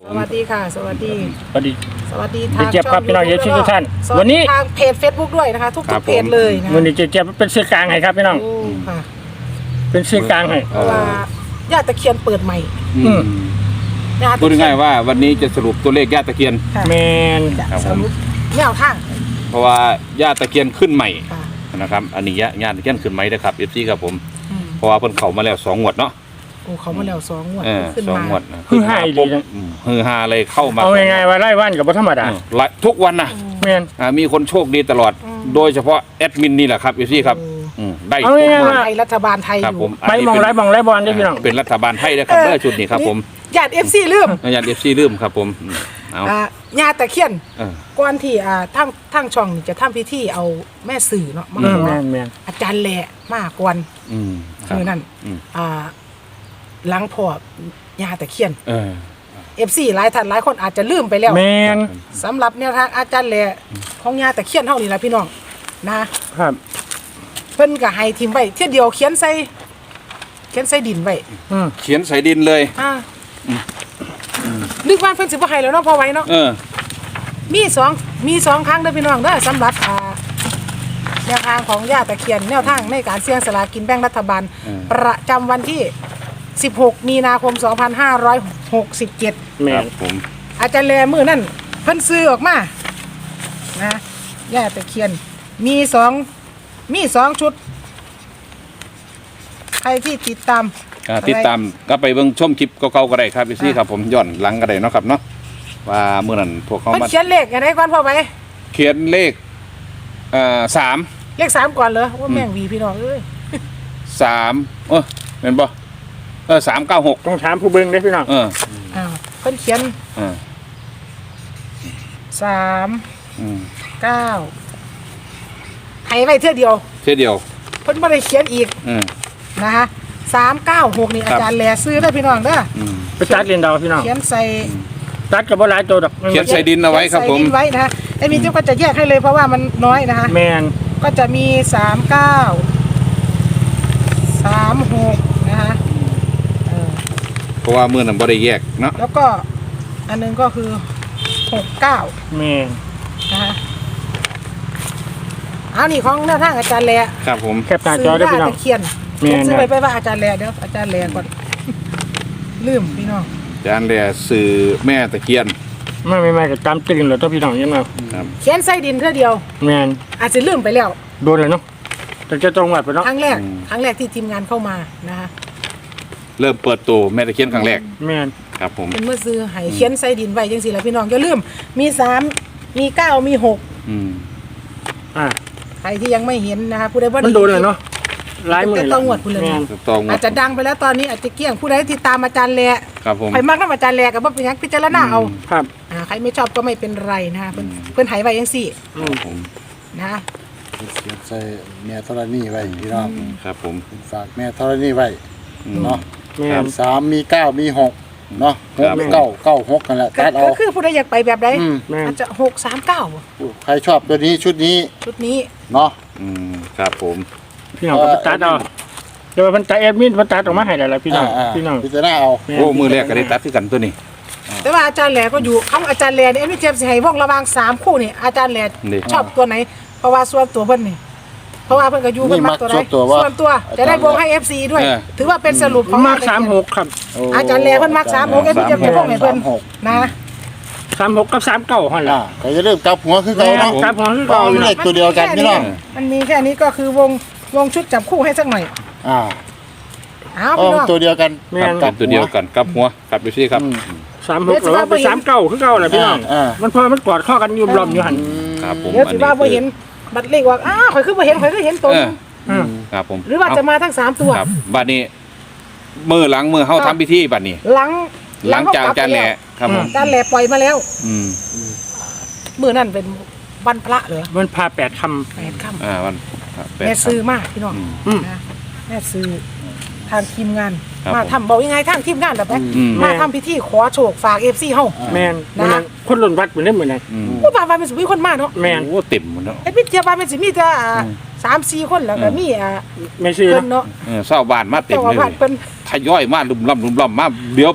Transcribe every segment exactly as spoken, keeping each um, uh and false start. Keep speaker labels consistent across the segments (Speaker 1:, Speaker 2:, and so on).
Speaker 1: สวัสดีค่ะสวัสดี
Speaker 2: สวัสดี
Speaker 1: สวัสดีทาง
Speaker 2: เจี๊ยบครับพี่น้องเอฟซีทุกท่าน
Speaker 1: วันนี้ทางเพจ Facebook ด้วยนะคะทุกๆเพจเลยนะ
Speaker 2: วันนี้เจี๊ยบเป็นสื่อกลางให้ครับพี่น้อง
Speaker 1: ค่ะ
Speaker 2: เป็นสื่อกลางให้
Speaker 1: เพราะว่าย่าตะเคียนเปิดใหม่
Speaker 3: พูดง่ายๆว่าวันนี้จะสรุปตัวเลขย่าตะเคียน
Speaker 2: แมน
Speaker 1: สรุปแนวทาง
Speaker 3: เพราะว่าย่าตะเคียนขึ้นใหม่นะครับอันนี้ย่าตะเคียนขึ้นใหม่นะครับเอฟซีครับผมเพราะว่าเพิ่นเข้ามาแล้วสองงวดเนาะ
Speaker 1: โอ้เขามาแล้วสองงวด
Speaker 3: ขึ้นมาสองงวด
Speaker 2: คือหายเลย
Speaker 3: ฮือฮาเลยเข้ามา
Speaker 2: เอาง่ายๆว่าไล่วันกับบ่ธรรมดา
Speaker 3: ทุกวันนะ
Speaker 2: แมน
Speaker 3: มีคนโชคดีตลอดโดยเฉพาะแอดมินนี่แหละครับเอฟซีครับได้
Speaker 1: ทุกวันไทยรัฐบาลไทยอยู่
Speaker 2: ไปมองไล่มองไล่บอลได้พี่น้อง
Speaker 3: เป็นรัฐบาลไทยนะครับได้ชุดนี้ครับผม
Speaker 1: ญาติเอฟซีลืม
Speaker 3: ญาติเอฟซีลืมครับผม
Speaker 1: เอาญาติตะเคียนก่อนที่อ่าทั้งทั้งช่องจะทำพิธีเอาแม่สื่อเนาะมาขออาจารย์แหล่มากวนคือนั่นอ่าหลังพอยาตะเคียนเอฟซีหลายท่านหลายคนอาจจะลืมไปแล้ว
Speaker 2: แมน
Speaker 1: สำหรับแนวทางอาจารย์แหล่ของยาตะเคียนเท่านี้แหละพี่น้องนะครับเพิ่นก็ให้ทีมไว้เที่ยเดียวเขียนใส่เขียนใส่ดินไว้
Speaker 3: เขียนใส่ดินเลย
Speaker 1: อ่านึกว่าเพิ่นสิบ่ให้แล้วเนาะพอไว้เนาะมีสองมีสองครั้งเด้อพี่น้องเด้อสำหรับอ่าแนวทางของยาตะเคียนแนวทางในการเสี่ยงสลากกินแบ่งรัฐบาลประจำวันที่สิบหกมีนาคมสองพันห้าร้อยหกสิบเจ็ด
Speaker 3: แม่ผม
Speaker 1: อาจารย์แลมือนั่นเพิ่นซื้อออกมานะย่าตะเคียนมีสองมีสองชุดใครที่ติดตาม
Speaker 3: ติดตามก็ไปเบิ่งชมคลิปเก่าๆก็ได้ครับพี่ซี่ครับผมย้อนหลังก็ได้เนาะครับเนาะว่าเมื่อนั้นพวกเขา
Speaker 1: มาเขียนเลขอะไรก่อนพ่อไป
Speaker 3: เขียนเลขเอ่อสาม
Speaker 1: เลขสามก่อนเหรอว่าแม่งวีพี่น้องเอ้ย
Speaker 3: สามเออเห็นปะเออสามเก้าหก
Speaker 2: ต้องถามผู้เบิ่งได้พี่น้อง
Speaker 3: เออ
Speaker 1: อ้าวเพิ่นเขียนสามเก้าให้ไว้เท่าเดียว
Speaker 3: เท่าเดียว
Speaker 1: เพิ่นไม่ได้เขียนอีกนะคะสามเก้าหกนี่อาจารย์แหล่ซื้อได้พี่น้องเด้อ
Speaker 2: ไปตัดเรียนดาวพี่น้อง
Speaker 1: เขียนใส่
Speaker 2: ตัดกับว่าหลายตัวดอก
Speaker 3: เขียนใส่ดินเอาไว้ครับผม
Speaker 1: ใส่ดินไว้นะฮะไอ้มีเจ้าก็จะแยกให้เลยเพราะว่ามันน้อยนะคะ
Speaker 2: แมน
Speaker 1: ก็จะมีสามเก้าสามหกนะคะ
Speaker 3: เพราะว่าเมื่อนั้นบ่ได้แยกเนาะ
Speaker 1: แล้วก็อันนึงก็คือหกเก้า
Speaker 2: แมน
Speaker 1: นะคะเอานี่ของหน้าทางอาจารย์แหล่
Speaker 3: ครับผม
Speaker 2: แคปหน้าจอได้พี่น้อง
Speaker 1: เขียนเขียนซื้อไปไปว่าอาจารย์แหล่เดี๋ยวอาจารย์แหล่ก่อนลืมพี่น้อง
Speaker 3: อาจารย์แหล่สื่อแม่ตะเคียน
Speaker 2: ไม่ไม่ไม่ก็จำตื่นเลยตัวพี่น้องยังไง
Speaker 1: เขียนใส่ดินเท่าเดียว
Speaker 2: แมน
Speaker 1: อาจจะลืมไปแล้ว
Speaker 2: โดนเลยเนาะแต่จะตรงวัดไปเนาะ
Speaker 1: ครั้งแรกครั้งแรกที่ทีมงานเข้ามานะคะ
Speaker 3: เริ่มเปิดตัวแม่ตะเคียนครั้งแรก
Speaker 2: แมน
Speaker 3: ครับผม
Speaker 1: เป็นเมื่อซื้อให้เขียนใส่ดินไว้จังสิแล้วพี่น้องอย่าลืมมีสามมีเก้ามีหก
Speaker 3: อืม
Speaker 2: อ่า
Speaker 1: ใครที่ยังไม่เห็นนะคะผู้ใดบ่
Speaker 2: มันโดนเลยเนาะ
Speaker 1: ลายมือต้องหวดผู้เลยอาจจะดังไปแล้วตอนนี้อาจจะเกี้ยงผู้ใดที่ตามอาจารย์แหล่
Speaker 3: ครับผม
Speaker 1: ใครมากน้ำอาจารย์แหล่กับว่าเป็นยังพิจารณาเอา
Speaker 2: ครับ
Speaker 1: อ่าใครไม่ชอบก็ไม่เป็นไรนะคะเพื่อนเพื่อนหายไว้ยังสี่นะ
Speaker 4: ใส่แม่ธรณีไว้พี่น้อง
Speaker 3: ครับผม
Speaker 4: ฝากแม่ธรณีไว้เนาะสามมีเก้ามีหกเนาะหกเก้าเก้าหกกันแหละตัดเอา
Speaker 1: ก็คือผู้ใดอยากไปแบบใดอาจจะหกสามเก้า
Speaker 4: ใครชอบตัวนี้ชุดนี้
Speaker 1: ชุดนี้
Speaker 4: เนาะ
Speaker 3: อืมครับผม
Speaker 2: พี่น้องก็ตัดเอาเดี๋ยวมันตัดแอดมินมันตัดออกมาให้ได้แล้วพี่น้องพี่น้อง
Speaker 4: พิจารณาเอา
Speaker 3: โอ้มือแรกก็ได้ตัดที่กันตัวนี้
Speaker 1: แต่ว่าอาจารย์แหล่ก็อยู่คำอาจารย์แหล่เนี่ยไม่เจ็บสิให้วงระวางสามคู่นี่อาจารย์แหล่ชอบตัวไหนเพราะว่าส่วนตัวเพิ่นนี่เพราะว่าเพิ่นก็อยู่เพิ่นมักตัวไหนส่วนตัวจะได้วงให้ เอฟ ซี ด้วยถือว่าเป็นสรุปของ
Speaker 2: มักสามหกครับ
Speaker 1: อาจารย์แหล่เพิ่นมักสามหกเอ็มจะเป็นวงให้เพิ่นนะ
Speaker 2: สามหกกับสามเก้าหั่นล่ะ
Speaker 4: ก็จะเริ่มกลับหัวคือเก่าเนาะ
Speaker 2: กลับหัวคือเก่า
Speaker 4: เลขตัวเดียวกันพี่น้อง
Speaker 1: มันมีแค่นี้ก็คือวงวงชุดจับคู่ให้สักหน่อย
Speaker 4: อ่า
Speaker 1: อ้าวพี่น้อง
Speaker 4: ตัวเดียวกัน
Speaker 3: กับตัวเดียวกันกับหัวกับดูสิครับ
Speaker 2: สามหกหรือว่าเป็นสามเก้าคือเก่าแหละพี่น้องมันพอมันกอดข้อกันยุ่มล้อมอยู่หัน
Speaker 3: ครับผม
Speaker 1: เดี๋ยวสิว่าพอเห็นบัตรเลขว่าอ้าวข่อยคือพอเห็นข่อยคือเห็นตรง
Speaker 3: ครับผม
Speaker 1: หรือว่าจะมาทั้งสามตัว
Speaker 3: ครับบัดนี้มือหลังมือเข้าทำพิธีบัดนี้
Speaker 1: หลัง
Speaker 3: หลังจากจานแหล่ครับผม
Speaker 1: จานแหล่ปล่อยมาแล้ว
Speaker 3: อืม
Speaker 1: มือนั่นเป็นวันพระเหรอ
Speaker 2: วันพาแปดค
Speaker 1: ำแปดคำ
Speaker 3: อ่าวัน
Speaker 1: แม่ซื้อมากพี่น้องนะแม่ซื้อทางทีมงานมาทำบอกยังไงทางทีมงานแบบนี้มาทำพิธีขอโชคฝากเอฟซีเฮา
Speaker 2: แมนนะคนหล่นวัดเหมือนได้เหมือนไง
Speaker 1: ผู้บ่าวเป็นสิมีคนมากเนาะ
Speaker 2: แมน
Speaker 3: โอ้เต็มหมดเนาะ
Speaker 1: ไอ้พี่เจ้าบ้านเป็นสิมีแต่สามสี่คนแล้วก็มีอ่า
Speaker 2: ไม่ใช่
Speaker 1: เนาะ
Speaker 3: เศร้าบ้านมาเต็มเลยทยอยมาลุ่มล่ำลุ่มล่ำมาเดี๋ยวไป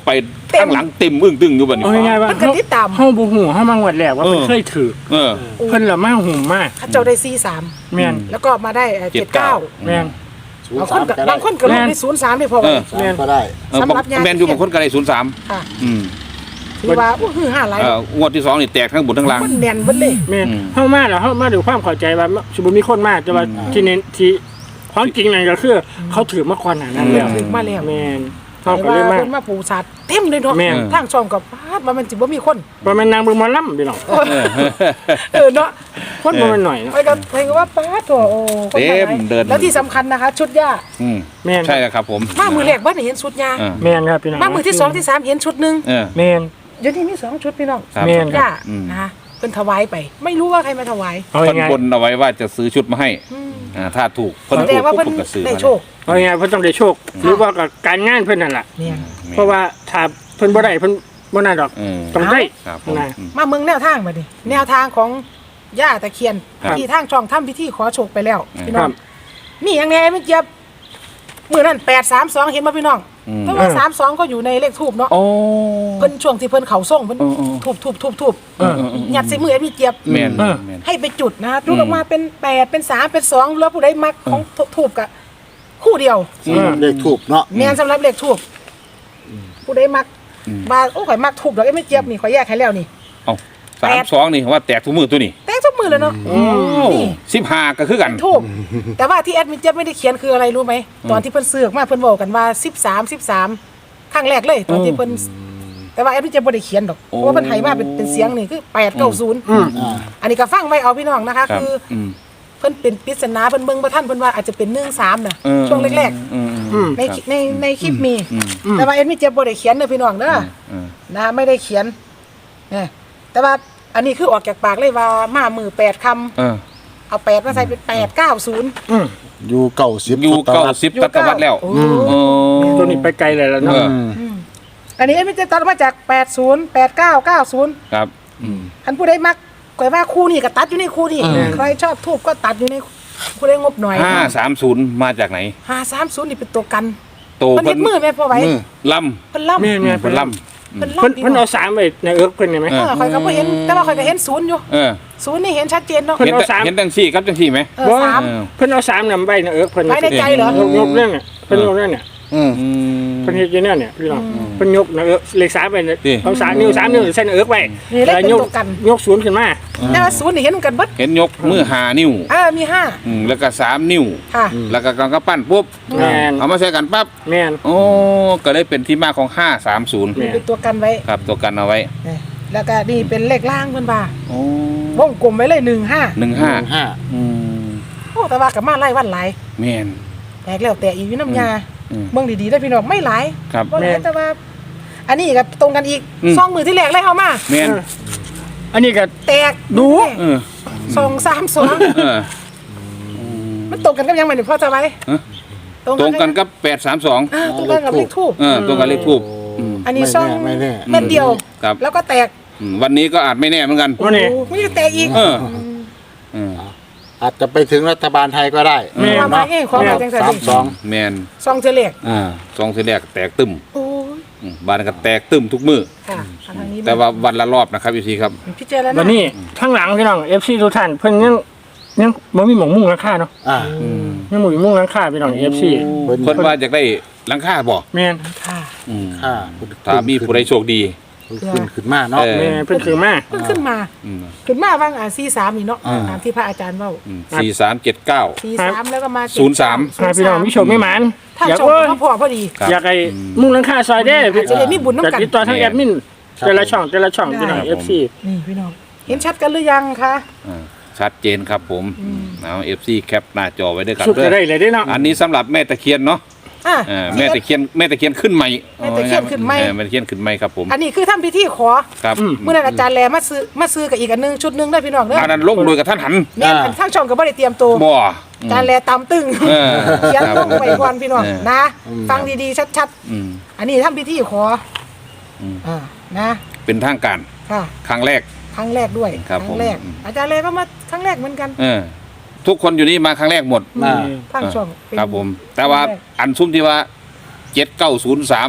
Speaker 1: เต็ม
Speaker 3: ข้างหลังเต็มอึ้งตึงอยู่บัดนี้
Speaker 2: เอาง่ายๆว่า
Speaker 1: มันก็ติดตาม
Speaker 2: เฮาบ่ฮู้เฮามางวดแรกว่าเพิ่นเคยถือ
Speaker 3: เออ
Speaker 2: เพิ่นละมาหุ่มมาก
Speaker 1: เขาเจ้าได้สี่สาม
Speaker 2: แม่น
Speaker 1: แล้วก็มาได้เจ็ดเก้า
Speaker 2: แม่น
Speaker 4: ศูน
Speaker 1: บาง
Speaker 4: ย์
Speaker 1: ค
Speaker 4: สาน ม
Speaker 1: ก็
Speaker 4: ก็ได้
Speaker 1: บางคนก็ลงในศูนย์สามได้พอไหม
Speaker 3: เออ
Speaker 4: สามก็ได้
Speaker 3: เออ
Speaker 1: สำหรับยา
Speaker 3: แมนอยู่บางคนก็ได้ศูนย์สาม
Speaker 1: ค่ะ
Speaker 3: อืม
Speaker 1: ถือว่าโอ้คือห้าหลาย
Speaker 3: เอองวดที่สองนี่แตกทั้งบนทั้งล่าง
Speaker 1: มันแน่นเบิดเลย
Speaker 2: แม่น
Speaker 3: อืม
Speaker 2: เฮามาแล้วเฮามาด้วยความเข้าใจว่าสมมุติมีคนมาแต่ว่าที่เน้นที่ความจริงนั่นก็คือเขาถือมาก่อนหน้านั้นแล้ว
Speaker 1: ถึงมาแล้ว
Speaker 2: แม่น
Speaker 1: เห็
Speaker 2: เฮาน ก็เลย
Speaker 1: ว่า
Speaker 2: มา
Speaker 1: เพิ่นมาปูสัตว์เต็มเลยเนาะ
Speaker 2: แม่น
Speaker 1: ทางช่องกับพาดว่ามันสิบ่มีคน
Speaker 2: ว่ามันนางเบิ่งหมอลำพี่น้อง
Speaker 1: เออเนาะ
Speaker 2: คนบ่แมันหน่อยเนาะ
Speaker 1: ไปกันไปกันว่าป้าดโถโอ้คน
Speaker 3: เต็ม
Speaker 1: มาหลาย
Speaker 3: เดิน
Speaker 1: แล้วที่สำคัญนะคะ ชุดย่า
Speaker 3: อืม
Speaker 2: แม่น
Speaker 3: ใช่ครับผม
Speaker 1: มามือแรกบ้านเห็นชุดย่า
Speaker 3: เออ
Speaker 2: แม่นครับพี่น้อง
Speaker 1: มามือที่สองที่สามเห็นชุดหนึง
Speaker 3: เออ
Speaker 2: แม่น
Speaker 1: เดี๋ยวนี้มีสองชุดพี่น้อง
Speaker 3: ครับ
Speaker 2: แม่น
Speaker 1: ย่า
Speaker 3: อืม
Speaker 1: นะคะเป็นถวายไป ไม่รู้ว่าใครมาถวาย
Speaker 2: เอา
Speaker 3: เพิ่น
Speaker 2: ง่าย
Speaker 3: บนเอาไว้ว่าจะซื้อชุดมาให้
Speaker 1: อืม
Speaker 3: อ่าถ้าถูกเพิ่น
Speaker 1: แสด
Speaker 3: ถู
Speaker 1: ง
Speaker 3: ก
Speaker 1: ว่า
Speaker 3: ปุ๊บ
Speaker 1: เพิ่น
Speaker 3: ผมก็ซื้อ
Speaker 1: ได้
Speaker 3: มา
Speaker 1: โชค
Speaker 2: ๆเอาง่ายๆเพิ่นต้องได้โชค หรือว่ากับการงานเพิ่นนั่นล่ะ
Speaker 1: เนี่ย
Speaker 2: เพราะว่าถ้าเพิ่นบ่ได้เพิ่นบ่น่าดอก
Speaker 3: เออ
Speaker 2: ต้องได้
Speaker 3: ครับผม
Speaker 2: นะ
Speaker 3: อืม
Speaker 1: มาเมืองแนวทางมาดิแนวทางของย่าตะเคียน
Speaker 3: ครับ
Speaker 1: ที่ทางช่องทำพิธีขอโชคไปแล้วพี่น้
Speaker 2: ครั
Speaker 1: อง
Speaker 2: บ
Speaker 1: มีอย่างไงไม่เจี๊ยบมือนั่นแปดสามสองเห็นมาพี่น้อง
Speaker 3: อืม
Speaker 1: เพราะว่าสามสองก็อยู่ในเลขทูบเนาะ
Speaker 3: โอ้
Speaker 1: เพิ่นช่วงที่เพิ่นเขาส่งเพิ่น
Speaker 3: เออเออ
Speaker 1: ทูบทูบทูบทูบ
Speaker 2: เออ
Speaker 1: ยัดใส่มือไอ้พี่เจี๊ยบ
Speaker 3: แม่น
Speaker 2: เออ
Speaker 3: แม่น
Speaker 1: ให้ไปจุดนะจุดออกมาเป็นแปดเป็นสามเป็นสองแล้วผู้ใดมักของทูบกะคู่เดียว
Speaker 2: อืม
Speaker 4: เลขถูกเนาะ
Speaker 1: แม่นสำหรับเลขทูบผู้ใดมัก
Speaker 3: อืม
Speaker 1: บาโอ้ข่อยมักทูบดอกไอ้ไม่เจี๊ยบนี่ข่อยแยกให้แล้วนี่
Speaker 3: เอ้าสามสองนี่ว่าแตกทุกมือตัวนี้
Speaker 1: แตกทุกมือเลยเนาะ นี่
Speaker 3: สิบห้าก็คือกัน
Speaker 1: ทูบแต่ว่าที่แอดมินเจี๊ยบไม่ได้เขียนคืออะไรรู้ไหมตอนที่เพิ่นซื้อออกมาเพิ่นบอกกันว่าสิบสามสิบสามครั้งแรกเลยตอนที่เพิ่นแต่ว่าแอดมินเจี๊ยบไม่ได้เขียนดอกเพราะว่าเพิ่นให้มาเป็นเป็นเสียงนี่คือแปดเก้าศูนย์
Speaker 2: อืม
Speaker 4: อ่า
Speaker 1: อันนี้ก็ฟังไว้เอาพี่น้องนะคะ
Speaker 3: ครับ
Speaker 1: คือ
Speaker 3: อืม
Speaker 1: เพิ่นเป็นปริศนาเพิ่นเบิ่งบ่ทันเพิ่นว่าอาจจะเป็นหนึ่งสามน่ะ
Speaker 3: เออ
Speaker 1: ช่วงแรก
Speaker 3: อืมอืม
Speaker 2: อืม
Speaker 1: ๆในในในคลิปมี
Speaker 3: อืม
Speaker 1: แต่ว่าแอดมินเจี๊ยบบ่ได้เขียนเด้อพี่น้องเด้อ
Speaker 3: อืม
Speaker 1: นะไม่ได้เขียนเนี่ยแต่ว่าอันนี้คือออกจากปากเลยว่ามามือแปดคำ
Speaker 3: เออ
Speaker 1: เอาแปดมาใส่เป็นแปดเก้าศูนย์
Speaker 2: อืม
Speaker 4: อยู่เก่าสิบ
Speaker 3: อยู่เก้าสิบตัตวัดแล้ว
Speaker 1: โอ้
Speaker 3: โอ้
Speaker 2: ตัวนี้ไปไกลเลยแล้ว
Speaker 3: เอ
Speaker 2: เนาะ
Speaker 3: อ
Speaker 1: อันนี้ไม่จะตัดมาจากแปดศูนย์แปดเก้าเก้าศูนย์
Speaker 3: ครับอืม
Speaker 1: คันผู้ใดมักก๋วยว่าคู่นี่ก็ตัดอยู่ในคู่นี่
Speaker 3: อืม
Speaker 1: ใครชอบทูบก็ตัดอยู่ในผู้ใดงบหน่อย
Speaker 3: ห้าสามศูนย์มาจากไหน
Speaker 1: ห้าสามศูนย์นี่เป็นตัวกัน
Speaker 3: โต
Speaker 1: มันเห็นมือแม่พอไหว้
Speaker 4: มือ
Speaker 3: ล
Speaker 1: เพิ่นล่ำ
Speaker 2: แม่น
Speaker 3: ำ
Speaker 2: แม่น
Speaker 3: เป็นล
Speaker 1: เพิ่น
Speaker 2: เพิ่น
Speaker 1: ล่ำพี่
Speaker 2: เพิ่น
Speaker 1: น้อ
Speaker 2: เอา
Speaker 1: ง
Speaker 2: สามไว้ในเอิร์กเพิ่นเห็นไหม
Speaker 1: เออข่อยก็บ่เห็นแต่ว่าข่อยก็เห็นศูนย์อยู่
Speaker 3: ำเออ
Speaker 1: ศูนย์นี่เห็นชัดเจนเนาะ
Speaker 2: เพิ่น
Speaker 3: เห็น
Speaker 2: เอา
Speaker 3: แต่
Speaker 2: สาม
Speaker 3: เห็นจังซี่ครับจังซี่ไหม
Speaker 1: เออสาม
Speaker 3: เออ
Speaker 2: เพิ่นเอาสามนำไว้ในเอิร์กเพิ่น
Speaker 1: ไว้ในใจเหรอ
Speaker 2: ยกยกเรื่องเนี่ยเพิ่นยกเรื่องเนี่ย
Speaker 4: อืม
Speaker 3: อืม
Speaker 2: เพิ่นเฮ็ดอยู่เนี่ยเนี่ยพี่น้องเพิ่นยกนะเอิร์กเลขสามไปเนี่ย
Speaker 3: ดิ
Speaker 2: เอาสามนิ้วสามนิ้วใส่ในเอิร์กไว้
Speaker 1: นี่เลขเป็น
Speaker 2: ยก
Speaker 1: ตัวกัน
Speaker 2: ยกศูนย์ขึ้นมา
Speaker 1: แต่ว่าศูนย์นี่เห็นกันเบิด
Speaker 3: เห็นยกมือหานิ้ว
Speaker 1: เออมีห้า
Speaker 3: อืมแล้วก็สามนิ้ว
Speaker 1: ค่ะ
Speaker 3: แล้วก็กำกปั้นปุ๊บ
Speaker 2: แม่น
Speaker 3: เอามาใช้กันปั๊บ
Speaker 2: แม่น
Speaker 3: โอ้ก็เลยเป็นที่มาของห้าสามศูนย์
Speaker 2: แม่
Speaker 1: เป็นตัวกันไว้
Speaker 3: ครับตัวกันเอาไว้
Speaker 1: นี่แล้วก็นี่เป็นเลขล่างเพิ่นว่า
Speaker 3: โอ้
Speaker 1: วงกลมไว้เลยหนึ่งห้า
Speaker 3: หนึ่งห้า
Speaker 4: ห้า
Speaker 3: อืม
Speaker 1: โอ้แต่ว่ากับมาไล่วันหลาย
Speaker 3: แมน
Speaker 1: แตกแล้วแต่อีกอยู่น้ำยา
Speaker 3: อืม
Speaker 1: เบิ่งดีๆได้อพี่น้องไม่หลาย
Speaker 3: ครับ
Speaker 1: บ่หลายแต่ว่า อันนี้กับตรงกันอีก
Speaker 3: อืม
Speaker 1: ซองมือที่แรกเลยเอามา
Speaker 3: แมน
Speaker 2: เอออันนี้ก็
Speaker 1: แตก
Speaker 2: ดู
Speaker 3: เออ
Speaker 1: สองสามสอง
Speaker 3: เออ
Speaker 1: มันตรงกันกับยังไงนี่พ่อจะไว้
Speaker 3: ฮะ ตรงกันกับแปดสามสอง
Speaker 1: อ่าตรงกันกับเลขทูบ
Speaker 3: เออตรงกันเลขทูบอืม
Speaker 1: อันนี้
Speaker 4: ไม่
Speaker 1: ซอง
Speaker 4: แน่ไม่แน่
Speaker 1: เม็ดเดียว
Speaker 3: ครับ
Speaker 1: แล้วก็แตก
Speaker 3: อืมวันนี้ก็อาจไม่แน่เหมือนกัน
Speaker 2: วันนี้
Speaker 1: โอ้ไม่ได้แตกอีก
Speaker 3: เออเออ
Speaker 4: อาจจะไปถึงรัฐบาลไทยก็ได้
Speaker 2: แม่
Speaker 1: ความหมายง่ายความหมายจังซั่น
Speaker 4: สาม
Speaker 1: ดิ
Speaker 4: สอง
Speaker 3: แมน
Speaker 1: ซองเจเล็ก
Speaker 3: อ่าสองทีแรกแตกตึม
Speaker 1: โอ้ย
Speaker 3: อืมบ้านก็แตกตึมทุกมือ
Speaker 1: ค่ะอันทางนี้
Speaker 3: แต่ว่าวันละรอบนะครับพี่ซีครับ
Speaker 1: พิจารณา
Speaker 2: วันนี้ข้างหลังพี่น้อง เอฟ ซี ทุกท่านเพิ่นยังยังบ่มีหมองมุ่งหลังคาเนาะ
Speaker 4: อ่า
Speaker 2: ยังบ่มีมุ่งหลังคาพี่น้อง เอฟ ซี
Speaker 4: เพิ่น
Speaker 3: คนว่าอยากได้หลังคาบ่
Speaker 2: แม่น
Speaker 1: ค่ะ
Speaker 3: อืม
Speaker 4: อ่า
Speaker 3: ถ้ามีผู้ใดโชคดี
Speaker 4: ขึ้นขึ้นมาเนาะ
Speaker 3: เออ
Speaker 2: แม่เพิ่นคือมา
Speaker 1: เพิ่งขึ้นมา
Speaker 3: อืม
Speaker 1: ขึ้นมาว่างอ่าซีสามนี่เนาะ
Speaker 4: อ่า
Speaker 1: ตามที่พระอาจารย์เว้า
Speaker 3: สี่สามเจ็ดเก้า
Speaker 1: ซีสามแล้วก็มา
Speaker 3: ศูนย์สาม
Speaker 2: หาพี่น้องมีโชคมีหมาน
Speaker 1: ถ้า
Speaker 2: อยาก
Speaker 1: ชม
Speaker 2: เอ้ย
Speaker 1: ก็พอพอดี
Speaker 3: ครับ
Speaker 2: อยากให้มุ่งหลังคาซอยเด้
Speaker 1: อาจจะได้มีบุญนำกัน
Speaker 2: จะติดต่อทางแอดมินแต่ละช่องแต่ละช่องพี่น้อง
Speaker 3: ได้
Speaker 2: เอฟ ซี
Speaker 1: นี่พี่น้องเห็นชัดกันหรือยังคะ
Speaker 3: อ่าชัดเจนครับผมเอาเอฟซีแคปหน้าจอไว้ด้วยกัน
Speaker 2: สุด
Speaker 3: เด้
Speaker 2: จะได้
Speaker 3: อ
Speaker 2: เลยเด้เนาะ
Speaker 3: อันนี้สำหรับแม่ตะเคียนเนาะ
Speaker 1: อ่ะ
Speaker 3: อ่าแม่ตะเคียนแม่ตะเคียนขึ้นใหม่
Speaker 1: แม่ตะเคียนขึ้นใหม่
Speaker 3: เออแม่ตะเคียนขึ้นใหม่ครับผม
Speaker 1: อันนี้คือทำพิธีขอ
Speaker 3: ครับ
Speaker 1: เมื่อนั้นอาจารย์แลมาซื้อมาซื้อกับอีกอันหนึงชุดหนึงได้พี่น้องเด้อ
Speaker 3: อันนั้นลงโดยกับท่านหัน
Speaker 1: แม่นอันทางช่องก็บ่ได้เตรียมตัว
Speaker 3: บ่
Speaker 1: อาจารย์แลตำตึง
Speaker 3: เออ
Speaker 1: เขียนลงไปก่อนพี่น้อง
Speaker 3: เออ
Speaker 1: นะ ฟังดีๆชัด
Speaker 3: อืม
Speaker 1: ๆ อันนี้ทำพิธีขออ
Speaker 3: ม
Speaker 1: อ่านะ
Speaker 3: เป็นทางการ
Speaker 1: ค่ะ
Speaker 3: ครั้งแรก
Speaker 1: ครั้งแรกด้วย
Speaker 3: ครับ
Speaker 1: ครั้งแรก
Speaker 3: ผม
Speaker 1: อาจารย์แลก็มาครั้งแรกเหมือนกัน
Speaker 3: เออทุกคนอยู่นี่มาครั้งแรกหมด
Speaker 4: อ่า
Speaker 1: ทางช่องเป็น
Speaker 3: ครับผม แต่ว่า
Speaker 1: ครั้งแรก
Speaker 3: อันซุ้มที่ว่าเจ็ดเก้าศูนย์สาม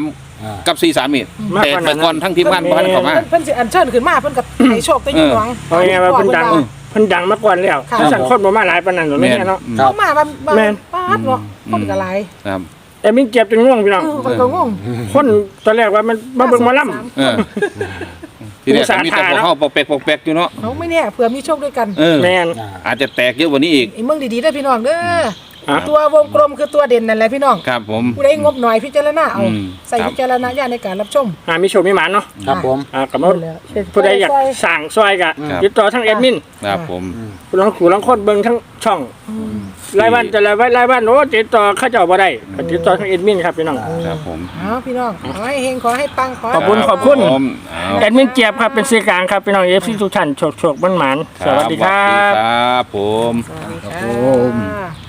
Speaker 3: กับสี่สามนี่
Speaker 2: มาก
Speaker 3: แต
Speaker 2: ก
Speaker 3: ก
Speaker 2: ว่านั้น
Speaker 3: ไปก่อนทั้งทีมงานบ้านเข้ามา
Speaker 1: เพิ่นเพิ่นสิอัญเชิญขึ้นมาเพิ่นก็ให้โชคได้อยู่หวัง
Speaker 2: เอาไงว่าเพิ่นดังเพิ่นดังมาก่อนแล้ว
Speaker 1: ค่ะ
Speaker 2: ถ้าสั่งคนบ่มาหลายปานนั้นหรอก
Speaker 3: แม่น
Speaker 2: เนี่ยเนาะ
Speaker 4: ครับ
Speaker 1: เขามาบ้านบ้าน
Speaker 2: แม่น
Speaker 1: ป้าดเนาะคนก็หลาย
Speaker 3: ครับ
Speaker 2: แต่มินเจ็บจนง่วงพี่น้อง
Speaker 1: เออคนก็งง
Speaker 2: คนตอนแรกว่ามันมาเบิ่งหมาล่ำ
Speaker 3: เออทีนี้มีแต่พวกเข้าปอกแปกปอกแปกอยู่เนาะ
Speaker 1: เขาไม่แน่เผื่อมีโชคด้วยกัน
Speaker 3: เออ
Speaker 2: แม่น
Speaker 4: อ่า
Speaker 3: อาจจะแตกเยอะกว่านี้อีก
Speaker 1: ไอ้เมืองดีๆได้อพี่น้องเด้อ
Speaker 2: อ่ะ
Speaker 1: ตัววงกลมคือตัวเด่นนั่นแหละพี่น้อง
Speaker 3: ครับผม
Speaker 1: ผู้ใดงบหน่อยพิจารณาเอา
Speaker 3: อืม
Speaker 1: ใส่
Speaker 3: ครับ
Speaker 1: พิจารณญาณในการรับชม
Speaker 2: อ่ามีโชคมีหมานเนาะ
Speaker 4: ครับผม
Speaker 2: อ่ากับมาผู้ใดอยากสั่งซอยกะ
Speaker 3: ครับ
Speaker 2: ติดต่อทั้งแอดมิน
Speaker 3: ครับผม
Speaker 2: ผู้ลองขู่ลองคนเบิ่งทั้งช่องรายวันแต่ละวันรายวันโอ้ติดต่อเข้าเจ้าบ่ได้ก็ติดต่อทั้งแอดมินครับพี่น้อง
Speaker 3: ครับผม
Speaker 1: เอาพี่น้องขอให้เฮงขอให้ปังขอให้
Speaker 2: ขอบคุณขอบคุณ
Speaker 3: ผมเอา
Speaker 2: แอดมินเจี๊ยบครับเป็นสื่อกลางครับพี่น้องเอฟซีทุกท่านโชคโชคบ้านหมานสวัสดีครั
Speaker 3: สวัสดี
Speaker 2: บ
Speaker 3: ครับผม
Speaker 1: สวัสดีค่ะ